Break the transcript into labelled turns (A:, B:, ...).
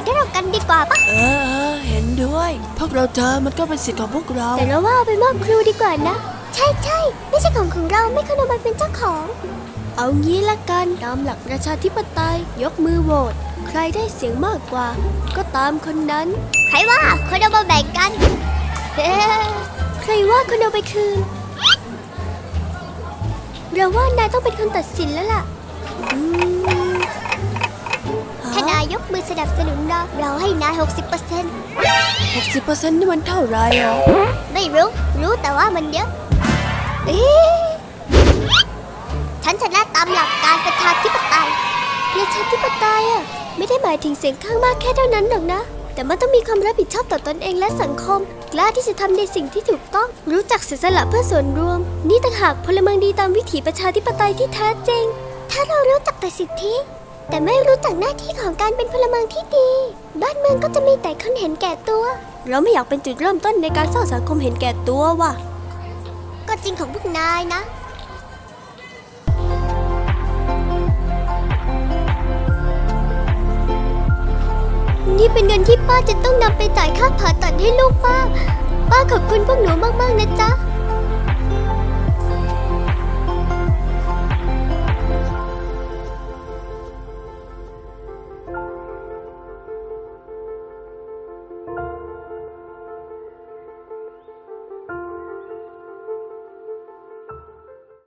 A: ให้เรากันดีกว่าปะ
B: เห็นด้วยพวกเราเจอมันก็เป็นสิทธิ์ของพวกเรา
A: แต่เราว่าเอาไปมอบครูดีกว่านะใช่ไม่ใช่ของเราไม่ควรเอามันเป็นเจ้าของเอางี้ละกันตามหลักประชาธิปไตยยกมือโหวตใครได้เสียงมากกว่าก็ตามคนนั้นใครว่าคนเอามาแบ่งกันใครว่าคนเอาไปคืนเราว่านายต้องเป็นคนตัดสินแล้วล่ะถ้านายยกมือสนับสนุนเราให้นาย 60%
B: นี่มันเท่าไรอ่ะ
A: ไม่รู้แต่ว่ามันเยอะฉันชนะตามหลักการประชาธิปไตยอะไม่ได้หมายถึงเสียงข้างมากแค่เท่านั้นหรอกนะแต่มันต้องมีความรับผิดชอบต่อตนเองและสังคมกล้าที่จะทำในสิ่งที่ถูกต้องรู้จักเสียสละเพื่อส่วนรวมนี่ต่างหากพลเมืองดีตามวิถีประชาธิปไตยที่แท้จริงถ้าเรารู้จักแต่สิทธิแต่ไม่รู้จักหน้าที่ของการเป็นพลเมืองที่ดีบ้านเมืองก็จะมีแต่คนเห็นแก่ตัวเราไม่อยากเป็นจุดเริ่มต้นในการสร้างสังคมเห็นแก่ตัวว่ะก็จริงของพวกนายนะนี่เป็นเงินที่ป้าจะต้องนำไปจ่ายค่าผ่าตัดให้ลูกป้าขอบคุณพวกหนูมากๆนะจ๊ะ